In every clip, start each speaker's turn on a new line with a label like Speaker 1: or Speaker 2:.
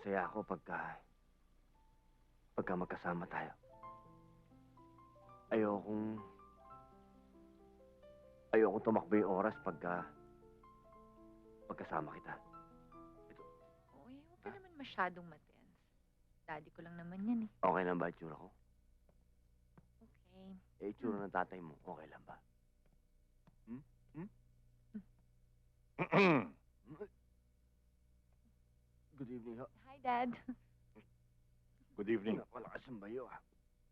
Speaker 1: Masaya ako pagka magkasama tayo. Ayokong tumakbo yung oras pagkasama kita.
Speaker 2: Uy, huwag ka naman masyadong matense. Daddy ko lang naman yan eh.
Speaker 1: Okay lang ba itsura ko?
Speaker 2: Okay.
Speaker 1: Itsura ng tatay mo, okay lang ba? Good evening, ho.
Speaker 2: Hi, Dad.
Speaker 3: Good evening.
Speaker 1: Malakas ang bayo, ah.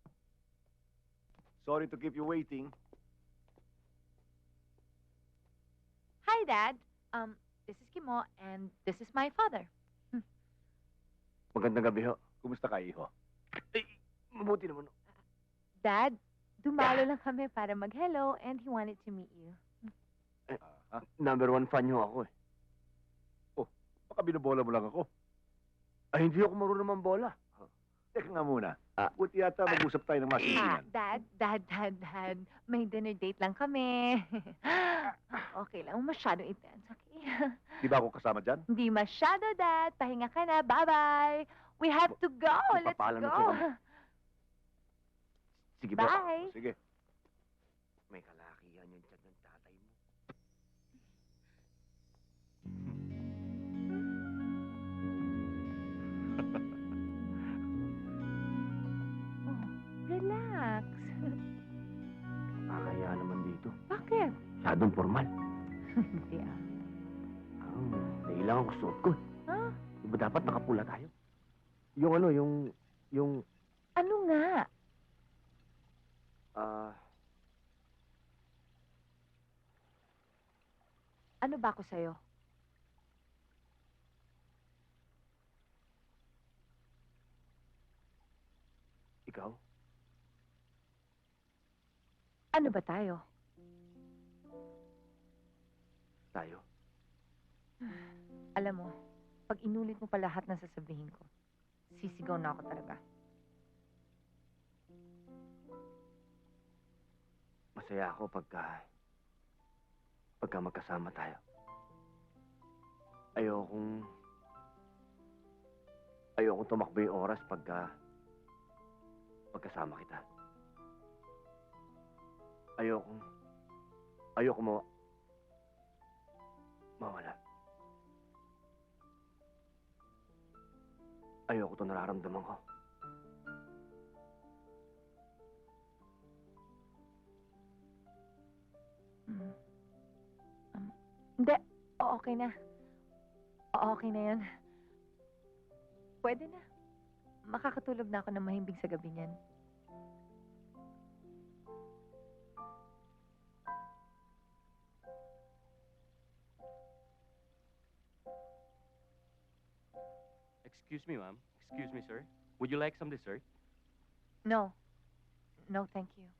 Speaker 3: Sorry to keep you waiting.
Speaker 2: Hi, Dad. This is Kimo, and this is my father.
Speaker 1: Magandang gabi, ho.
Speaker 3: Kumusta ka, iho?
Speaker 1: Mabuti naman, ho.
Speaker 2: Dad, dumalo lang kami para mag-hello, and he wanted to meet you.
Speaker 1: Number 1 fan nyo ako, eh.
Speaker 3: Baka binobola mo lang ako.
Speaker 1: Ay, hindi ako marunong mambola.
Speaker 3: Teka nga muna.
Speaker 1: Ah.
Speaker 3: Buti yata mag-usap tayo ng masinsinan.
Speaker 2: Dad. May dinner date lang kami. Okay lang, masyadong intense, okay?
Speaker 3: Di ba ako kasama dyan?
Speaker 2: Hindi masyado, Dad. Pahinga ka na. Bye-bye. We have to go. Let's
Speaker 1: Magpapaalam na
Speaker 2: go.
Speaker 1: po kami. Sige ba?
Speaker 2: Bye.
Speaker 3: Sige.
Speaker 1: May kalakihan yung tiyan ng tatay mo.
Speaker 2: Oh, relax.
Speaker 1: Nakakaya naman dito.
Speaker 2: Bakit?
Speaker 1: Masyadong formal.
Speaker 2: Hindi ah.
Speaker 1: Nailangan ko suot ko.
Speaker 2: Huh?
Speaker 1: Di ba dapat nakapula tayo? Yung ano, yung,
Speaker 2: Ano nga? Ano ba ako sa'yo?
Speaker 1: ikaw?
Speaker 2: Ano ba tayo?
Speaker 1: Tayo?
Speaker 2: Alam mo, pag inulit mo pa lahat ng sasabihin ko, sisigaw na ako talaga.
Speaker 1: Masaya ako pagka magkasama tayo. Ayokong tumakbo yung oras pagkasama kita. Ayoko mawala. Ayoko ito nararamdaman ko.
Speaker 2: Hindi. Okay na. Okay na yan. Pwede na. Makakatulog na ako ng mahimbing sa gabi niyan.
Speaker 4: Excuse me, ma'am. Excuse me, sir. Would you like some dessert?
Speaker 2: No. No, thank you.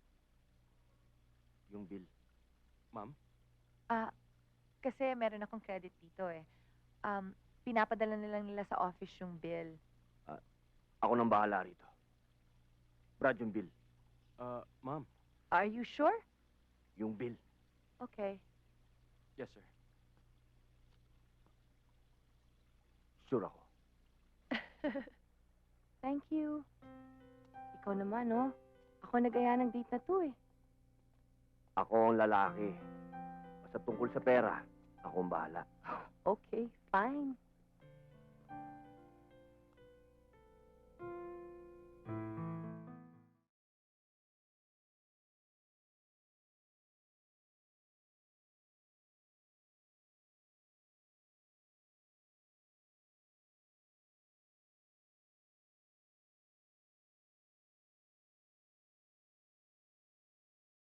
Speaker 1: Yung bill.
Speaker 4: Ma'am?
Speaker 2: Kasi meron akong credit dito eh. Pinapadala nila sa office yung bill.
Speaker 1: Ako nang bahala rito. Brad, yung bill.
Speaker 4: Ma'am.
Speaker 2: Are you sure?
Speaker 1: Yung bill.
Speaker 2: Okay.
Speaker 4: Yes, sir.
Speaker 1: Sure ako.
Speaker 2: Thank you. Ikaw naman, oh. Ako nag-aya ng date na to eh.
Speaker 1: Ako ang lalaki. Basta tungkol sa pera, ako ang bahala.
Speaker 2: Okay, fine.